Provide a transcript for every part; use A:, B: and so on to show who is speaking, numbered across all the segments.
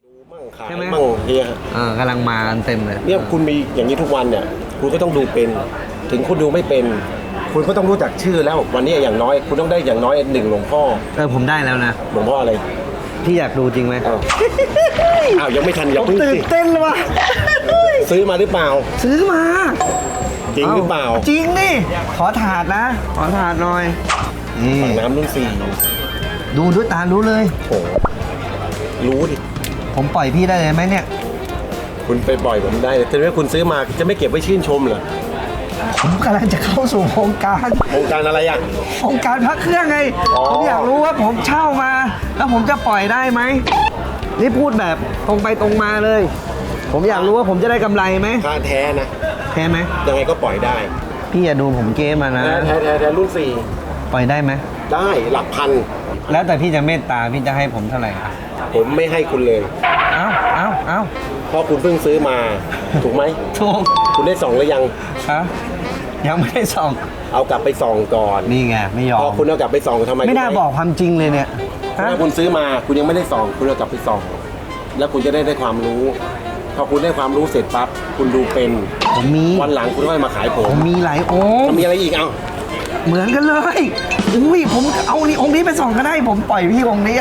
A: ขายมั่งเนี่ย
B: กำลังมากันเต็มเลย
A: เนี่ยคุณมีอย่างนี้ทุกวันเนี่ยคุณก็ต้องดูเป็นถึงคุณดูไม่เป็นคุณก็ต้องรู้จักชื่อแล้ววันนี้อย่างน้อยคุณต้องได้อย่างน้อย1หลวงพ่อ
B: ผมได้แล้วนะ
A: หลวงพ่ออะไร
B: พี่อยากดูจริงไหม
A: อ้าวยังไม่ทันอย่าเพิ่ง
B: ตื่นเต้นเลยว่ะ
A: ซื้อมาหรือเปล่า
B: ซื้อมา
A: จริงหรือเปล่า
B: จริงนี่ขอถาดนะขอถาดหน่อย
A: ฝั่งน้ำรุ่น
B: ดูด้วยตารู้เลย
A: โอ้รู้ดิ
B: ผมปล่อยพี่ได้เลยไหมเนี่ย
A: คุณไปปล่อยผมได้แต่ว่าคุณซื้อมาจะไม่เก็บไว้ชื่นชมเหรอ
B: ผมกำลังจะเข้าสู่โครงการ
A: อะไรอ่ะ
B: โครงการพักเครื่องไงผมอยากรู้ว่าผมเช่ามาแล้วผมจะปล่อยได้ไหมนี่พูดแบบตรงไปตรงมาเลยผมอยากรู้ว่าผมจะได้กำไรไหม
A: ค่าแท้นะ
B: แท้ไหม
A: ยังไงก็ปล่อยได้
B: พี่อย่าดูผมเกมมานะ
A: แท้รุ่น
B: ปล่อยได้ไหม
A: ได้หลักพัน
B: แล้วแต่พี่จะเมตตาพี่จะให้ผมเท่าไหร่
A: ผมไม่ให้คุณเลย
B: เอ้า
A: เพราะคุณเพิ่งซื้อมาถูกไหม
B: ถูก
A: คุณได้ส่องหรือยัง
B: ยังไม่ได้ส่อง
A: เอากลับไปส่องก่อน
B: นี่ไงไม่ยอม
A: พอคุณเอากลับไปส่องทำไม
B: ไม่น่าบอกความจริงเลยเนี่ย
A: ถ้าคุณซื้อมาคุณยังไม่ได้ส่องคุณเอากลับไปส่องแล้วคุณจะได้ความรู้พอคุณได้ความรู้เสร็จปั๊บคุณดูเป็น
B: ผมมี
A: วันหลังคุณค่อยมาขายผม
B: มีหลายองค์
A: มีอะไรอีก
B: เหมือนกันเลยอุ้ยผมเอานี่องค์นี้ไปส่องก็ได้ผมปล่อยพี่องค์นี้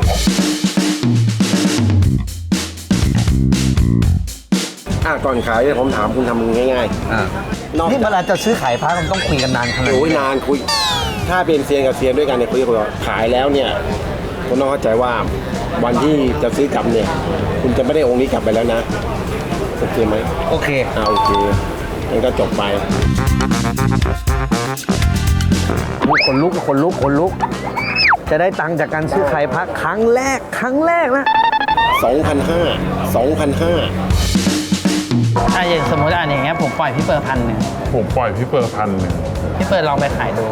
A: ก่อนขายผมถามคุณทำง่าย
B: ๆนี่เวลาจะซื้อขายพระมันต้องคุยกันนานขนาดไหน
A: นานคุยถ้าเป็นเซียนกับเซียนด้วยกันเนี่ยคุยกันขายแล้วเนี่ยคุณต้องเข้าใจว่าวันที่จะซื้อกลับเนี่ยคุณจะไม่ได้องค์นี้กลับไปแล้วนะโอเคไหม
B: โอเค
A: โอเคงั้นก็จบไป
B: คนลุกจะได้ตังค์จากการซื้อขายพระครั้งแรกนะ
A: 2,500
C: อย่างสมมติอย่างเงี้ยผมปล่อยพี่เปิด1,000พี่เปิดลองไปขายดู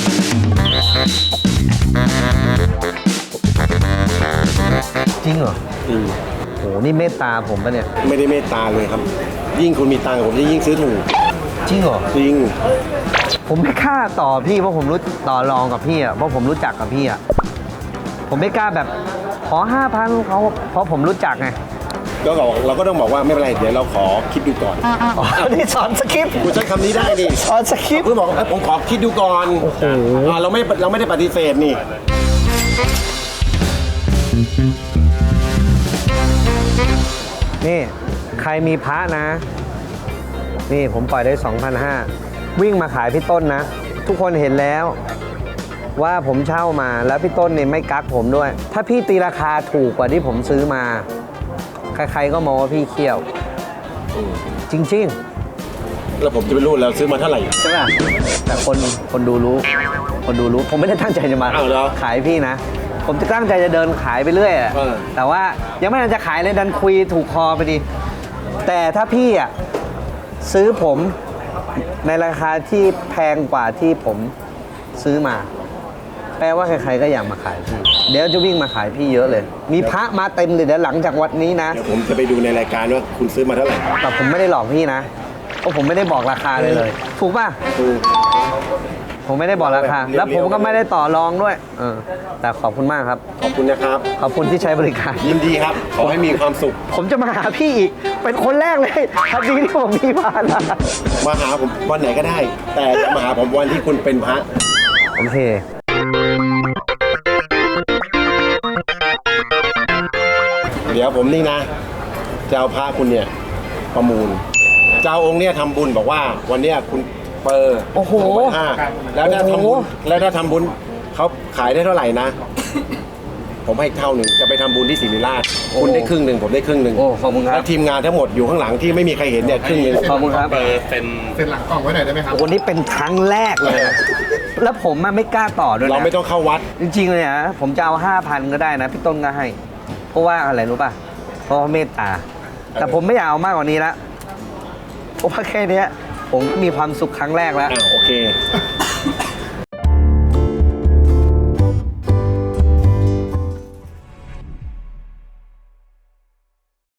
B: จริงเหรอโหนี่เมตตาผมปะเนี่ย
A: ไม่ได้เมตตาเลยครับยิ่งคุณมีตังค์ผมจะยิ่งซื้อถูก
B: จริงเหรอ
A: จริง
B: ผมไม่กล้าต่อพี่เพราะผมรู้ต่อรองกับพี่เพราะผมรู้จักกับพี่ผมไม่กล้าแบบขอ 5,000เขาเพราะผมรู้จักไง
A: ก็เราก็ต้องบอกว่าไม่เป็นไรเดี๋ยวเราขอคิดดูก่อน
B: นี่สอนสคริปต์
A: คุณใช้คำนี้ได้ดิ
B: สอนสคริปต์
A: คุณบอกผมขอคิดดูก่อน
B: โอ้โห
A: เราไม่ได้ปฏิเสธนี่
B: ใครมีพระนะนี่ผมปล่อยได้ 2,500 วิ่งมาขายพี่ต้นนะทุกคนเห็นแล้วว่าผมเช่ามาแล้วพี่ต้นเนี่ยไม่กักผมด้วยถ้าพี่ตีราคาถูกกว่าที่ผมซื้อมาใครๆก็มองว่าพี่เขี้ยวจริง
A: ๆแล้วผมจะไปรู้แล้วซื้อมาเท่าไหร่
B: ใช่ป่ะแต่คนดูรู้ผมไม่ได้ตั้งใจจะมาขายพี่นะผมจะตั้งใจจะเดินขายไปเรื่อยแต่ว่ายังไม่ทันจะขายเลยดันคุยถูกคอไปดิแต่ถ้าพี่ซื้อผมในราคาที่แพงกว่าที่ผมซื้อมาแปลว่าใครๆก็อยากมาขายพี่เดี๋ยวจะวิ่งมาขายพี่เยอะเลยมีพระมาเต็มเลยเดี๋ยวหลังจากวันนี้นะ
A: เดี๋ยวผมจะไปดูในรายการว่าคุณซื้อมาเท่าไหร่
B: แต่ผมไม่ได้หลอกพี่นะเพราะผมไม่ได้บอกราคาเลยถูกป่ะ
A: ถูก
B: ผมไม่ได้บอกราคาแล้วผมก็ไม่ได้ต่อรองด้วยแต่ขอบคุณมากครับ
A: ขอบคุณนะครับ
B: ขอบคุณที่ใช้บริการ
A: ยินดีครับขอให้มีความสุข
B: ผมจะมาหาพี่อีกเป็นคนแรกเลยทันทีที่ผมมีพระ
A: มาหาผมวันไหนก็ได้แต่จะมาหาผมวันที่คุณเป็นพระ
B: โอเค
A: เดี๋ยวผมนี่นะจะเอาพระคุณเนี่ยประมูลเจ้าองค์เนี่ยทำบุญบอกว่าวันนี้คุณเปิด
B: โอ้โห
A: แล้วถ้าทำบุญเขาขายได้เท่าไหร่นะผมให้เท่าหนึ่งจะไปทำบุญที่ศิริราชคุณได้ครึ่งหนึ่งผมได้ครึ่งหนึ่ง
B: ขอบคุณครับ
A: แล้วทีมงานทั้งหมดอยู่ข้างหลังที่ไม่มีใครเห็นเนี่ยครึ่งหนึ่ง
B: ขอบคุณครับ
D: เป็นหลังกล่องไว้หน่อยได้ไหมครับ
B: วันนี้เป็นครั้งแรกเลยแล้วผมไม่กล้าต่อด้วยนะ
A: เราไม่ต้องเข้าวัด
B: จริงๆเลยนะผมจะเอา 5,000 ก็ได้นะพี่ต้นก็ให้เพราะว่าอะไรรู้ป่ะเพราะเมตตาแต่ผมไม่อยากเอามากกว่านี้ละเพราะว่าแค่นี้ผมมีความสุขครั้งแรกแล้ว
A: โอเค